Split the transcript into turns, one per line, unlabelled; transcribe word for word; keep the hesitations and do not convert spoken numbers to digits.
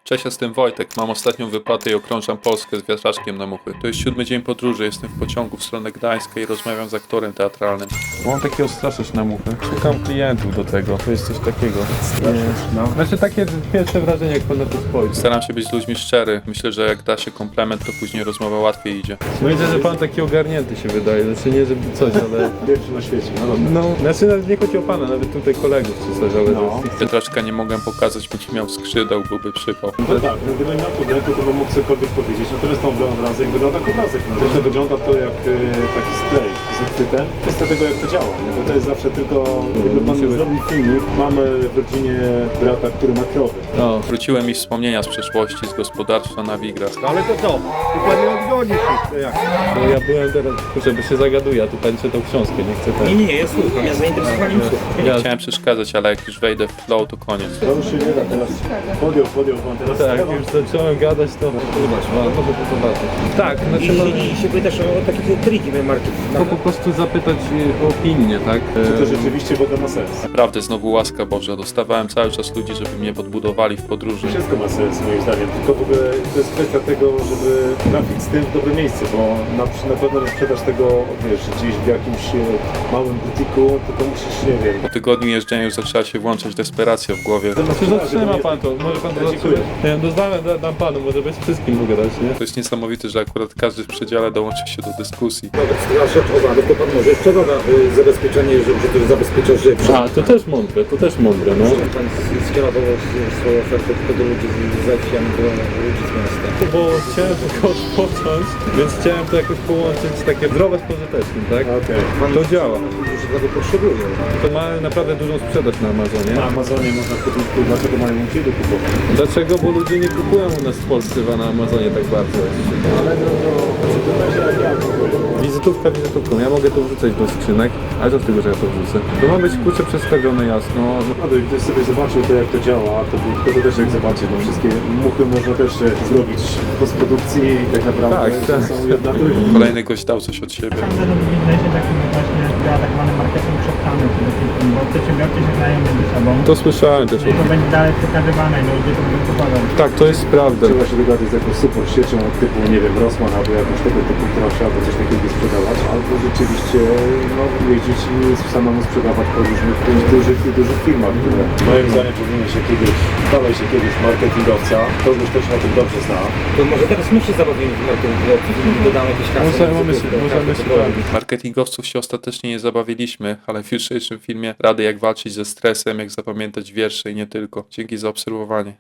Cześć, jestem Wojtek. Mam ostatnią wypłatę i okrążam Polskę z wiatraczkiem na muchy. To jest siódmy dzień podróży, jestem w pociągu w stronę Gdańska i rozmawiam z aktorem teatralnym. Mam takiego straszyć na muchy. Szukam klientów do tego. To jest coś takiego.
No.
Znaczy takie pierwsze wrażenie, jak pan na to spojrzy. Staram się być z ludźmi szczery. Myślę, że jak da się komplement, to później rozmowa łatwiej idzie. No widzę, że pan taki ogarnięty się wydaje. Znaczy nie, żeby coś, ale...
Pierwszy na świecie, no dobra.
No, znaczy nawet nie chodzi o pana, nawet tutaj kolegów czy coś, ale...
No.
Wiatraczka nie mogę pokazać, bo ci miał skrzydeł, byłby przypał.
No tak, no gdybym miał pudełko, to bym mógł cokolwiek powiedzieć, natomiast ten obrazek wygląda jak obrazek. No. Zresztą wygląda to jak e, taki sklej z uchwytem. Kwestia tego, jak to działa, nie? Bo to jest zawsze tylko, jakby pan zrobił filmik, mamy w rodzinie brata, który ma krowy.
No. Wróciły mi wspomnienia z przeszłości, z gospodarstwa na Wigras.
Ale to co? Tu pan nie odgoni się, to jak?
No ja byłem teraz, żeby się zagaduje, a tu pani czytał książkę, nie chcę
Nie,
ten.
nie, ja słucham, ja zainteresowaniem słucham.
Nie chciałem przeszkadzać, ale jak już wejdę w flow, to koniec.
To już się nie da teraz. Podjął, podjął pan teraz.
Tak, już zacząłem gadać, to... Zobacz, no, może to zobaczyć. Tak,
I,
znaczy...
i, i się pytasz o takie triki marketing.
No po prostu zapytać o opinię, tak?
Czy to rzeczywiście woda ma sens?
Naprawdę, znowu łaska Boża. Dostawałem cały czas ludzi, żeby mnie podbudowali w podróży.
Wszystko ma sens moim zdaniem, tylko w ogóle to jest kwestia tego, żeby trafić z tym w dobre miejsce, bo na, na pewno nie sprzedaż tego, wiesz, gdzieś w jakimś e, małym butiku, tylko musisz, nie wiem.
Po tygodniu jeżdżenia już zaczęła się włączać desperacja w głowie.
Znaczy,
zatrzyma pan to, może pan to
Ja dziękuję.
zatrzyma. Nie, doznałem, da, dam panu, może bez wszystkim mogę dać, nie? To jest niesamowite, że akurat każdy w przedziale dołączy się do dyskusji.
Nawet straż towarów, to pan może jeszcze doda y, zabezpieczenie, że, że to zabezpiecza życie.
A, to też mądre, to też mądre, no.
Pan skierował swoją ofertę tylko do ludzi z wsi, a nie do ludzi z miasta.
Bo chciałem tylko odpocząć, więc chciałem to jakoś połączyć takie zdrowe z pożytecznym, tak?
Okej.
To działa.
Którzy tego potrzebują.
To ma naprawdę dużą sprzedaż na Amazonie.
Na Amazonie można kupić, dlaczego mają musieli kupować?
Dlaczego? Bo ludzie nie kupują u nas w Polsce na Amazonie tak bardzo.
Ale no to, to będzie jak ja kupuję.
Wizytówka wizytówką. Ja mogę to wrzucać do skrzynek, ale co z tego, że ja to wrzucę? To ma być kurczę przedstawione jasno.
No to gdybyś sobie zobaczył to, jak to działa, to by to też jak zobaczy, no wszystkie muchy można też e, zrobić w postprodukcji i tak naprawdę
Tak,
to
tak.
są jedna druga.
Kolejny gość dał coś od siebie.
Sądzę, że w biznesie takim właśnie zaatakowany marketing przepchany przede wszystkim, bo przedsiębiorcy się znają między sobą.
To słyszałem też.
I to będzie dalej przekazywane i ludzie to będą kupować.
Tak, to jest prawda.
Trzeba się dogadać z jakąś super siecią typu, nie wiem, Rossmann albo jakąś tego typu, która chciałaby coś takiego sprzedawać, albo rzeczywiście no, jeździć i samemu sprzedawać po różnych dużych i dużych firmach, które moim zdaniem powinien się kiedyś, stałeś się kiedyś marketingowca, to już też na tym dobrze zna.
To może teraz my się zabawimy w marketing i dodamy jakieś hasło.
Możemy się,
żeby
możemy
każdy
się
to robi.
bawić. Marketingowców się ostatecznie nie zabawiliśmy, ale w jutrzejszym filmie rady jak walczyć ze stresem, jak zapamiętać wiersze i nie tylko. Dzięki za obserwowanie.